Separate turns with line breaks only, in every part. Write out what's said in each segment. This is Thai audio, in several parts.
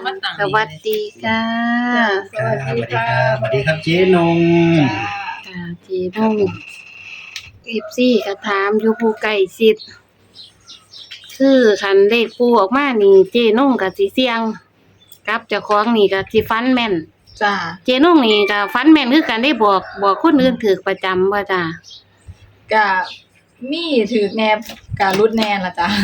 มาตั้ง
สวัสดีค่ะ
สวัสดีค่ะ
สวัสดีครับเจ๊นง
ค่ะเจนงFCก็ถามอยู่ผู้ใกล้ชิดคือคันเลขปูออกมานี่เจนงก็สิเสี่ยงกับเจ้าของนี่ก็สิฟันแม่น
จ้า
เจนงนี่ก็ฟันแม่นคือกันได้บอกคนอื่นถูกประจำบ่จ้ะ
กะมีถือแนบกะรุดแนนล่ะจ้า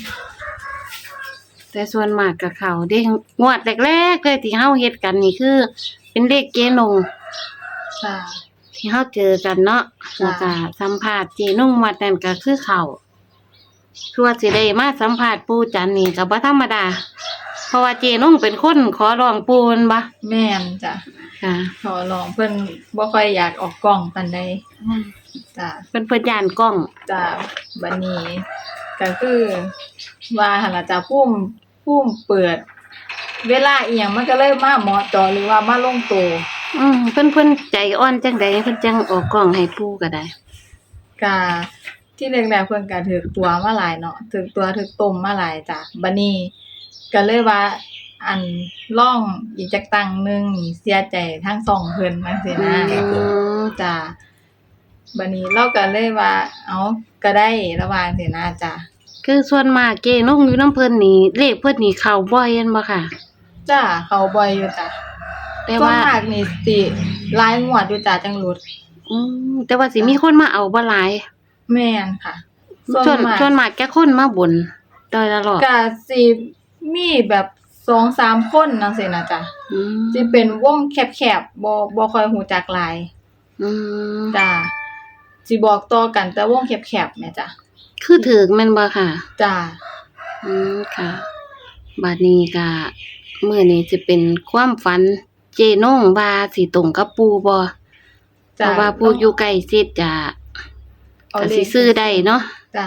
แต่ส่วนมากก็เข้าเด้งวดแรกๆเลยที่เฮาเฮ็ดกันนี่คือ เป็นเลขเจนง
จ้า
ที่เฮาเจอกันเนาะ
ค่ะ
แล้วก็สัมภาษณ์เจนุ่งวัดนั่นก็คือเขาคือว่าสิได้มาสัมภาษณ์ปู่จันนี่ก็บ่ธรรมดา เพราะว่าเจนุ่งเป็นคนขอร้องปู่แม่นบ่
แม่นจ้ะ
ค่ะ
ขอลองเพิ่นบ่ค่อยอยากออกกล้องปานใดจ้า
เพิ่นย่านกล้อง
จ้าบัดนี้ก็คือว่าหั่นล่ะจ้าภูมิเปิด เวลาอีหยังมันก็เลยมาเหมาะเจาะหรือว่ามาลงตัว
เพิ่นใจอ่อนจังใดเพิ่นจังออกกล้องให้ปู่ก็ได้
กะที่แรกๆเพิ่นก็ถึกตัวมาหลายเนาะถึกตัวถึกต้มมาหลายจ้ะบัดนี้ก็เลยว่าอันล่องอีกจักตั้งหนึงนี่เสียใจทั้งสองเพิ่นจังซี่นะ จ้ะบัดนี้เราก็เลยว่าเอ้าก็ได้ระหว่างซี่นะจ้ะ
คือส่วนมากเจนุ่งอยู่นำเพิ่นนี่เลขเพิ่นนี่เข้าบ่อยแม่นบ่ค่ะ
จ้ะเขาบ่อยอยู่จ้ะ
แต่
ส่วน
ว่า
มากนี่สิหลายงวดอยู่จ้ะจังหลุด
แต่ว่าสิมีคนมาเอาบ่หลาย
แม่นค่ะ
ส่วนมากแก่คนมาบ่นโดยตลอด
ก็สิมีแบบ 2-3 คนจังซี่นะจ้ะ
อืม
สิเป็นวงแคบๆบ่ค่อยฮู้จักหลาย
อืม
จ้ะสิบอกต่อกันแต่วงแคบๆแม่จ้ะ
คือถึกแม่นบ่ค่ะ
จ้ะ
ค่ะบัดนี้ก็มื้อนี้จะเป็นความฝันเจนงว่าสิตรงกับปู่บ่เพ
จ้ะ
ราะว่าปู่อยู่ใกล้ชิดจะ
เอา
ก็
เล
สิ
ข
ซื้อได้เนาะ
จ้ะ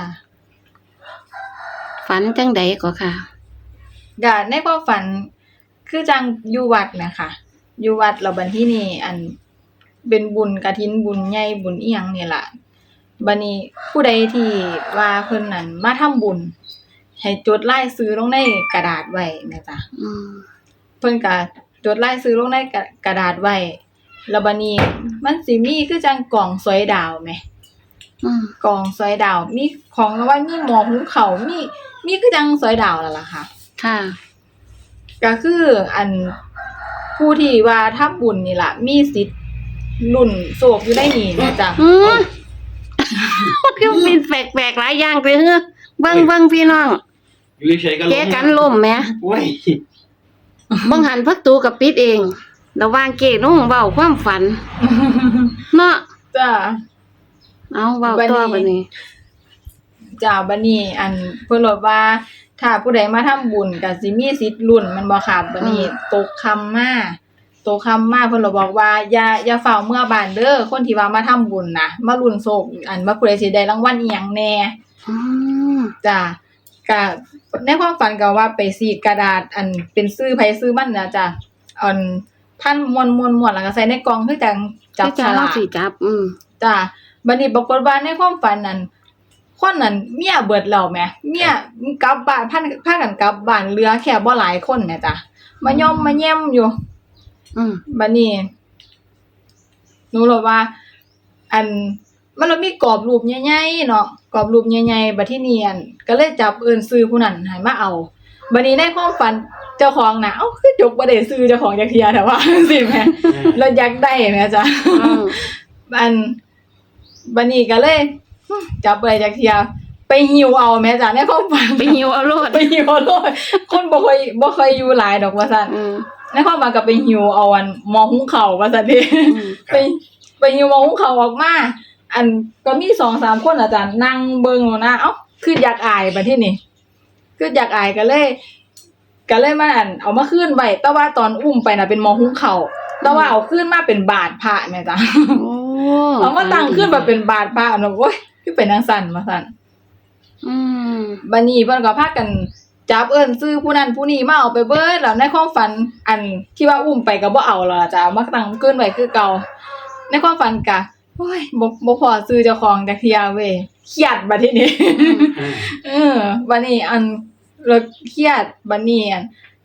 ฝันจังใดก็ค่ะ
ก็ในความฝันคือจังอยู่วัดน่ะค่ะอยู่วัดแล้วบัดที่นี่อันเป็นบุญกฐินบุญใหญ่บุญอีหยังนี่ล่ะบัดนี้ผู้ใดที่ว่าเพิ่นนั่นมาทำบุญให้จดรายชื่อลงในกระดาษไว้แม่จ้ะ
อืม
เพิ่นก็จดรายชื่อลงในกระดาษไว้แล้วบัดนี้มันสิมีคือจังกล่องสวยดาวแหม
อืม
กล่องสวยดาวมีของรางวัลมีหม้อหุงข้าวมีคือจังสวยดาวนั่นล่ะค่ะ
ค่ะ
ก็คืออันผู้ที่ว่าทำบุญนี่ล่ะมีสิทธิ์ลุ้นโชคอยู่ในนี่นะจ๊ะ
อืมคือมีแปลกๆหลายอย่างไปเฮ้อเบิ่งพี่น้อง
อยู่เฉยๆก็ล้ม
แกกันล่มแหม
โอ้ย
บังหันพักตูกับปิดเอง ระหว่างเกนุ่งเว้าความฝัน เนาะ
จ้ะ
เอาเว้าต่อบัดนี้
จ้ะบัดนี้อันเพิ่นบอกว่าถ้าผู้ใดมาทำบุญก็สิมีสิทธิ์ลุ้นแมันบ่ค่ะบัดนี้ตกค่ำมาเพิ่นเลยบอกว่าอย่าเฝ้าเมื่อบ้านเด้อคนที่ว่ามาทำบุญน่ะมาลุ้นโชคอันว่าผู้ใดสิได้รางวัลอีหยังแน่
อืม
จ้ะก็ในความฝันก็ว่าไปสีกกระดาษอันเป็นซื้อไผซื้อมันนะจ้ะอันพันม้วนๆๆแล้วก็ใส่ในกล่องคือจังจับฉลาก
สิจับ
จ้ะบัดนี้ปรากฏว่าในความฝันนั้นคนนั้นเมียเบิดแล้วแหมเมียกลับบ้านพากันกลับบ้านเหลือแค่บ่หลายคนเนี่ยจ้ะมาย่อมมาแย้มอยู่
อืม
บัดนี้หนูรู้ว่า อันมันมีกรอบรูปใหญ่ๆเนาะกรอบรูปใหญ่ๆบัดทีนี้อันก็เลยจับเอิ้นชื่อผู้นั้นให้มาเอาบัดนี้ในความฝันเจ้าของน่ะเอ้าคือจกบ่ได้ชื่อเจ้าของจักเที่ยแต่ว่า จังซี่แหมแล้วอยากได้แหมจ้ะ
อืม
อันบัดนี้ก็เลยจับบ่ได้จักเที่ยไปหิวเอาแหมจ้ะในความฝัน
ไปหิวเอาโลด
ไปหิวเอาโลดคนบ่ค่อยอยู่หลายดอกว่าซั่น
อืม
ในความฝันก็ไปหิวเอาอันหม้อหุงข้าวว่าซั่นเด้ ไปหิวหม้อหุงข้าวออกมาอันก็มี 2-3 คนอาจารย์นั่งเบิ่งอยู่นะเอ้าคืออยากอายบัดทีนี้คืออยากอายก็เลยมาอันเอามาคืนไว้แต่ว่าตอนอุ้มไปน่ะเป็นหม้อหุงข้าวแต่ว่าเอาคืนมาเป็นบาทพระแม่จ้ะ
โอ้
เอามาตั้งขึ้นมาเป็นบาทพระเนาะโอ้ยคือเป็นจังซั่นว่าซั่น
อืม
บัดนี้เพิ่นก็พากันจับเอิ้นซื้อผู้นั้นผู้นี้มาเอาไปเบิดแล้วในความฝันอันที่ว่าอุ้มไปก็บ่เอาแล้วล่ะจ้ะเอามาตั้งขึ้นไว้คือเก่าในความฝันก็โอ้ยบ่พอซื้อเจ้าของจักเที่ยเว้ยเครียดบัดทีนี้ บัดนี้อันเราเครียดบัดนี้อัน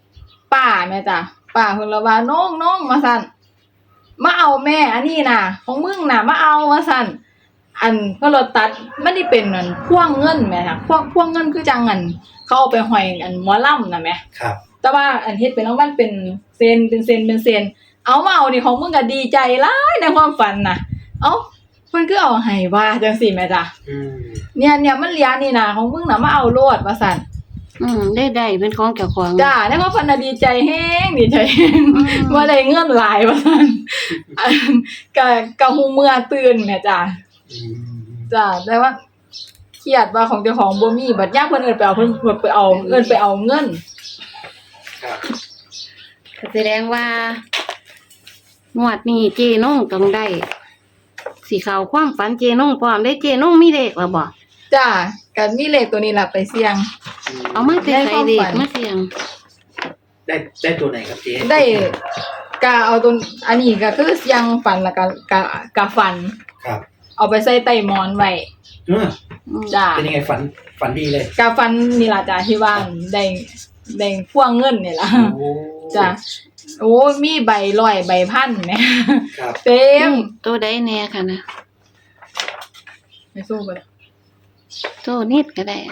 ป้าแม่จ้ะป้าเพิ่นละว่าน้องมาสั่นมาเอาแม่อันนี้น่ะของมึงน่ะมาเอาว่าสั่นอันเพิ่นรถตัดมันนี่เป็นอันพ่วงเงินแม่จ้ะพ่วงเงินคือจังอันเขาเอาไปห้อยอันหมอลำน่ะแม่
ครับ
แต่ว่าอันเฮ็ดเป็นรางวัลเป็นเซนเอามาเอานี่ของมึงก็ดีใจหลายในความฝันน่ะเอ้าเพิ่นคือเอาให้ว่าจังซี่แม่จ้ะ
อืม
เนี่ยมันเหลียนี่น่ะของมึงน่ะมาเอาโลดว่าซั่น
ได้เป็นของเจ้าของ
จ้าในความฝันน่ะดีใจแฮงดีใจแฮงว่าได้เงินหลายว่าซั่นอันก็ฮู้เมื่อตื่นแม่จ้ะ
อืม
จ้าแต่ว่าเครียดว่าของเจ้าของบ่มีบัดยามเพิ่นเอิ้นไปเอาเพิ่นไปเอาเอิ้นไปเอาเงิน
ครับ
ก็แสดงว่างวดนี้เจนงต้องได้สิเข้าความฝันเจนงพร้อมได้เจนงมีเลขแล้วบ่
จ้าก็มีเลขตัวนี้ล่ะไปเสี่ยง
เอามาแต่ใส่เลขมาเสี่ยง
ได้ตัวไหนครับเจ๊
ได้ก็เอาตัวอันนี้ก็คือเสียงฝันแล้วก็ฝัน
ครับ
เอาไปใส่ใต้หมอนไว้
เออ
จ้า
เป็นยังไงฝันดีเลย
ก็ฝันนี่ล่ะจ้าที่ว่าได้พ่วงเงินนี่ล่ะ
โอ้
จ้าโอ้มีใบร้อยใบพันแหม
ครับ
เต็ม
ตัวใดแน่ค่ะนะ
ไม่สู้บ่ได้
ตัวนิดก็ได้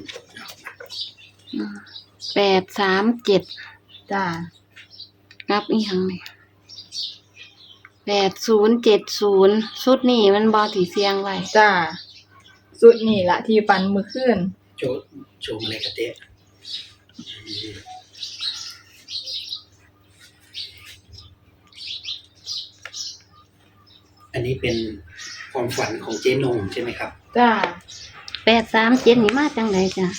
837
จ้า
รับอีหยังนี่8070สุดนี้มันบ่สิเสียงไว้
จ้าสุดนี่ล่ะที่ฝันมื้อคืน
โชว์มาเลยครับเจ๊อันนี้เป็นความฝันของเจ๊นงใช่ไหมครับ
จ้า
837นี่มาจังไดจ้ะ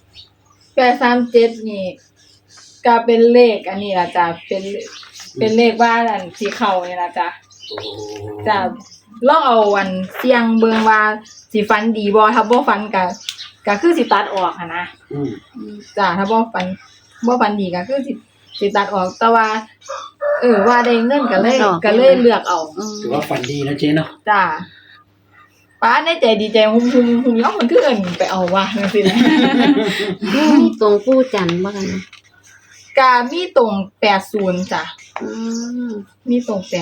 837นี่ก็เป็นเลขอันนี้ล่ะจ้าเป็นเลขว่าอันสีเข้านี่ล่ะจ้า
โอ้
จ้ะลองเอาอันเสี่ยงเบิ่งว่าสิฟันดีบ่ถ้าบ่ฟันก็คือสิตัดออกหันนะ
อืม
จ้ะถ้าบ่ฟันดีก็คือสิตัดออกแต่ว่าว่าได้เงินก็เลยเลือกเอา
ถือว่าฝันดีนะเจ๊เนาะ
จ้ะป้าในใจดีใจหุ่มย้อมมันคือเอิ้นไปเอาว่าจังซี่แหละ
มีตรงผู้จันทร์บ่กันนะ
ก็มีตรง80จ้ะ
อืม
มีตรง80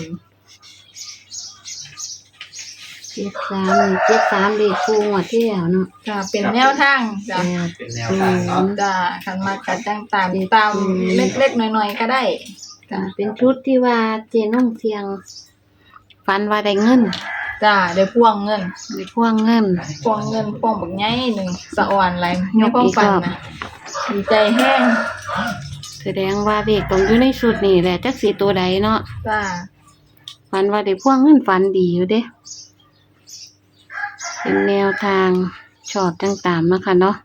73เลขคู่งวดที่แล้วเนาะ
จ้ะเป็นแนวทางจ้ะ
เป็นแนวทางเนาะ
จ้ะคันมากัดจังตามเล็กๆน้อยๆก็ได้
จ้ะเป็นชุดที่ว่าเจน้องเสียงฝันว่าได้เงิน
จ้าได้พ่วงเงิน
ได้พวงเงิน
พ่วงเงินพ่วงบักใหญ่หนึ่งสะอ่อนหลายยกความฝันนะดีใจแห้ง
แสดงว่าเด็กต้องอยู่ในชุดนี่แหละจักสิตัวใดเนาะ
จ้า
ฝันว่าได้พวงเงินฝันดีอยู่เด้เป็นแนวทางชอบจังตามนะคะเนาะ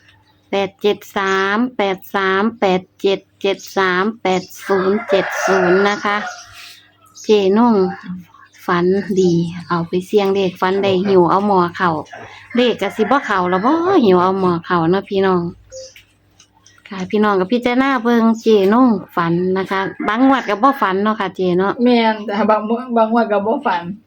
8738387738070นะคะ เจนุ่งฝันดี เอาไปเสี่ยงเลขฝันได้หิวเอาหมอเข่าเลขก็สิบ่เข่าแล้วบ่หิวเอาหมอเข่าเนาะพี่น้อง ค่ะพี่น้องกับพี่เจ้าหน้าเบิ่งเจนุ่งฝันนะคะบางงวดก็บ่ฝันเนาะค่ะเจเนาะ
แม่นแต่บางวันก็บ่ฝัน